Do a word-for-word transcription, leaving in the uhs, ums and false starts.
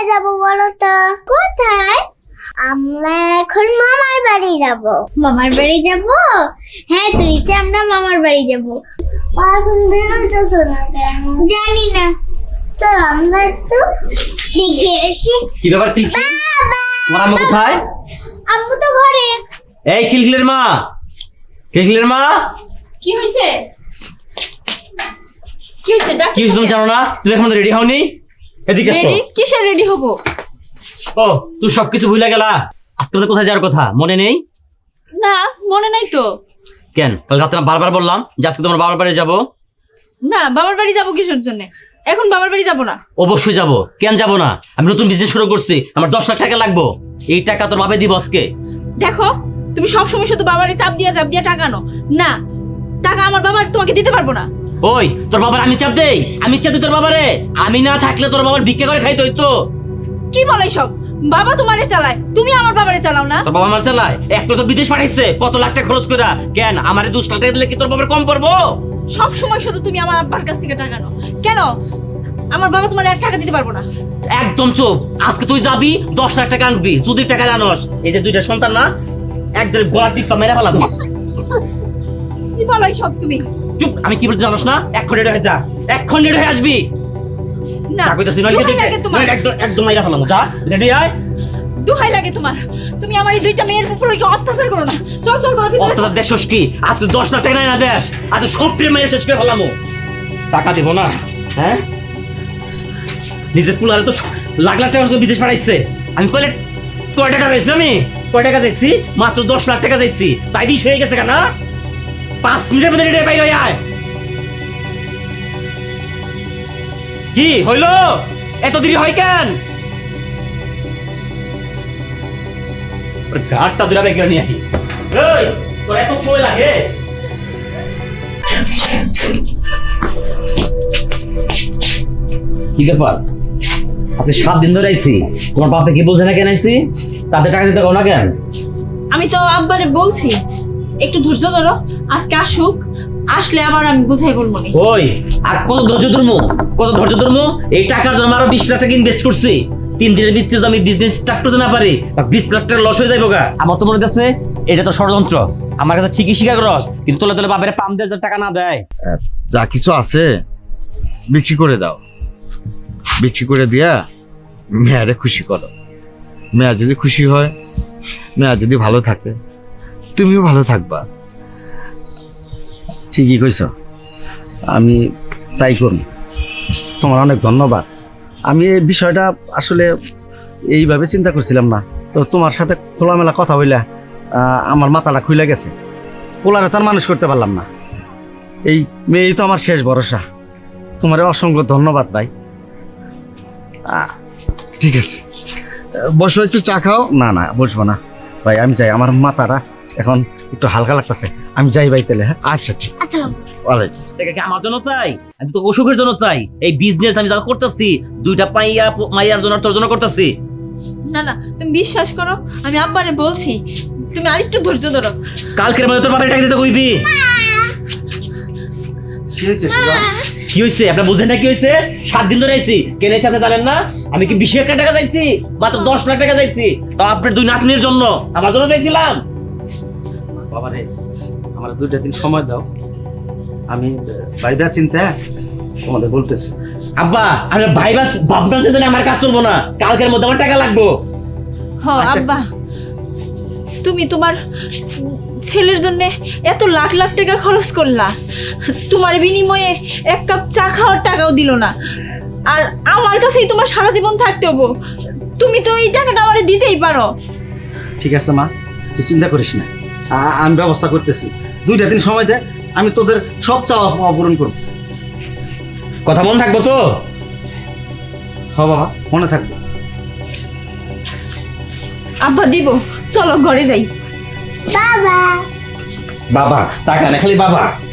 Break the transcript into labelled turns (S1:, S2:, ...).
S1: যাব বলো তো? কোথায়? আমরা এখন মামার বাড়ি যাব। মামার বাড়ি যাব? হ্যাঁ তুইছে আমরা মামার বাড়ি যাব। এখন বেরোতেছ না কেন? জানি না। চল আমরা একটু দেখে আসি।
S2: কি ব্যাপার খিলখিল? তোমার আম্মু কোথায়?
S1: আম্মু তো ঘরে।
S2: এই খিলখিলের মা, খিলখিলের মা,
S3: কি হইছে? কি হইছে? ডাক
S2: কি হয়েছে তুমি জানো না? তুমি এখন রেডি হওনি? এদিকে এসো।
S3: রেডি? কিসে রেডি হব?
S2: ও তুই সবকিছু ভুলে গেলা। আজকে আমাদের কোথায় যাওয়ার কথা মনে নেই?
S3: না মনে নাই তো।
S2: কেন কাল রাতে না বারবার বললাম যে আজকে তোমার বাবার বাড়ি যাবো?
S3: না বাবার বাড়ি যাব কিসের জন্য? এখন বাবার বাড়ি যাব না।
S2: অবশ্যই যাবো, কেন যাবো না? আমি নতুন বিজনেস শুরু করছি, আমার দশ লাখ টাকা লাগবো। এই টাকা তোর বাবা দিব আজকে।
S3: দেখো তুমি সব সময় শুধু বাবারে চাপ দিয়া চাপ দিয়া টাকা নো না, টাকা আমার বাবার তোমাকে দিতে পারবো না।
S2: ওই তোর বাবার আমি চাপ দেই? আমি চাপ দিই তোর বাবারে? আমি না থাকলে তোর বাবার ভিক্ষা করে খাইতে হইতো।
S3: কি বলে সব? বাবা তোমারে চালায়, তুমি আমার বাবারে চালাও না?
S2: তোর বাবা আমার চালায়? একটা তো বিদেশ পাঠাইছে কত লাখ টাকা খরচ করে। কেন আমারে দশ লাখ টাকা দিলে কি তোর বাবার কম পড়বো?
S3: সব সময় শুধু তুমি আমার আব্বার কাছ থেকে টাকা নাও কেন? আমার বাবা তোমার এক টাকা দিতে পারবো না।
S2: একদম চুপ। আজকে তুই যাবি দশ লাখ টাকা আনবি, যদি টাকা জানোস। এই যে দুইটা সন্তান না, একদম গলার দিকটা মেরে ফেলাবো।
S3: কি বলো সব তুমি?
S2: চুপ। আমি কি বলতে জানোস না? এক্ষণ রেডি হয়ে যা, এক্ষণ রেডি হয়ে আসবি।
S3: না
S2: যা কইতাছি নইলে
S3: দোহাই লাগে তোমার।
S2: একদম একদম মেরে ফেলাবো। যা রেডি আয়।
S3: দোহাই লাগে তোমার। তুমি আমার এই দুইটা মেয়ের উপর কি অত্যাচার করো না। চল চল ঘরে ভিতরে চল।
S2: অত্যাচার দেখছস কি? আজকে দশ লাখ টাকা না দেশ, আজকে সব প্রেম মেরে শেষ করে ফেলামো। টাকা দিব না? হ্যাঁ নিজের পুলারে তো লাখ লাখ টাকা বিদেশ পাঠাইছে। আমি কইলে কয় টাকা চাইছি? আমি কয় টাকা চাইছি? মাত্র দশ লাখ টাকা চাইছি। তাই বিষ হয়ে গেছে কেন? পাঁচ মিনিটের মধ্যে রেডি বাইরে আয়। কি হইলো? এত দেরি হয় কেন? ঘাটটা দুরা বেগে নিয়ে আহি। এই তোর এত সময় লাগে? কি ব্যাপার? আজকে সাত দিন ধরে আইছি, তোমার বাপে কি বোঝে না কেন আইছি? তাদের টাকা দিতে কও না কেন?
S3: আমি তো আব্বারে বলছি একটু ধৈর্য ধরো, আজকে আসুক, আসলে আবার আমি বুঝাই বলবো না।
S2: ওই আর কত ধৈর্য ধরমু? কত ধৈর্য ধরমু? এই টাকার জন্য আরো বিশ লাখ টাকা ইনভেস্ট করছি। তিন দিনের ভিত্তিতে আমি বিজনেস স্টার্ট করতে না পারি, বিশ লাখ টাকা লস হয়ে যাইব গা। আমার তো মনে হচ্ছে এটা তো ষড়যন্ত্র। আমার কাছে ঠিকই স্বীকার করস, কিন্তু তোলে তোলে বাপের পাম দিয়ে টাকা না দেয়।
S4: যা কিছু আছে বিক্রি করে দাও, বিক্রি করে দিয়া মেয়ারে খুশি করো। মেয়া যদি খুশি হয়, মেয়া যদি ভালো থাকে, তুমিও ভালো থাকবা।
S5: ঠিকই কইছ, আমি তাই করি। তোমার অনেক ধন্যবাদ। আমি এই বিষয়টা আসলে এইভাবে চিন্তা করছিলাম না, তো তোমার সাথে খোলামেলা কথা বইলা আহ, আমার মাথাটা খুলে গেছে। পোলারে তো আর মানুষ করতে পারলাম না, এই মেয়েই তো আমার শেষ ভরসা। তোমার অসংখ্য ধন্যবাদ ভাই।
S4: আহ, ঠিক আছে, বসো, একটু চা খাও।
S5: না না বসবো না ভাই, আমি যাই, আমার মাথাটা এখন একটু হালকা লাগতেছে। আমি যাই ভাই তাহলে। হ্যাঁ
S4: আচ্ছা ঠিক
S1: আসসালাম।
S4: ওয়ালাইকুম।
S2: টাকা কি আমার জন্য চাই? আমি তো অসুখের জন্য চাই। এই বিজনেস আমি যা করতেছি দুইটা পাইয়া মাইয়ার জন্য, তোর জন্য করতেছি।
S3: না না তুমি বিশ্বাস করো, আমি আব্বারে বলছি তুমি আরেকটু ধৈর্য ধরো।
S2: কালকের মধ্যে তোর বাপের টাকা দিতে কইবি।
S5: কি হয়েছে সুজা?
S2: কি হয়েছে আপনার বুঝেন না? কি হয়েছে? সাত দিন ধরে আইছি, কেন আইছি আপনি জানেন না? আমি কি বিশ লাখ টাকা চাইছি? মাত্র দশ লাখ টাকা চাইছি, তো আপনার দুই নাতনির জন্য, আমার জন্য চাইছিলাম।
S5: বাবা রে, আমার দুইটা দিন সময় দাও, আমি ভাইবা চিন্তা তোমাদের বলতেছি।
S2: আব্বা আমি ভাই বাস ভাবনা চিন্তা আমার কাজ চলবো না। কালকের মধ্যে আমার টাকা লাগবো।
S3: হ
S5: আচ্ছা।
S3: আব্বা, তুমি তোমার ছেলের জন্য এত লাখ লাখ টাকা খরচ করলা, তোমার বিনিময়ে এক কাপ চা খাওয়ার টাকাও দিল না, আর আমার কাছেই তোমার সারা জীবন থাকতে হবো। তুমি তো এই টাকাটা আমারে দিতেই পারো।
S5: ঠিক আছে মা, তুই চিন্তা করিস না, আ- আমি ব্যবস্থা করতেছি। দুইটা দিন সময় দে, আমি তোদের সব চাওয়া পাওয়া পূরণ করবো।
S2: কথা মন থাকবো তো?
S5: হ বাবা, মনে থাকবে।
S3: আব্বা দিব, চলো ঘরে যাই।
S1: বাবা
S2: বাবা টাকা না, খালি বাবা।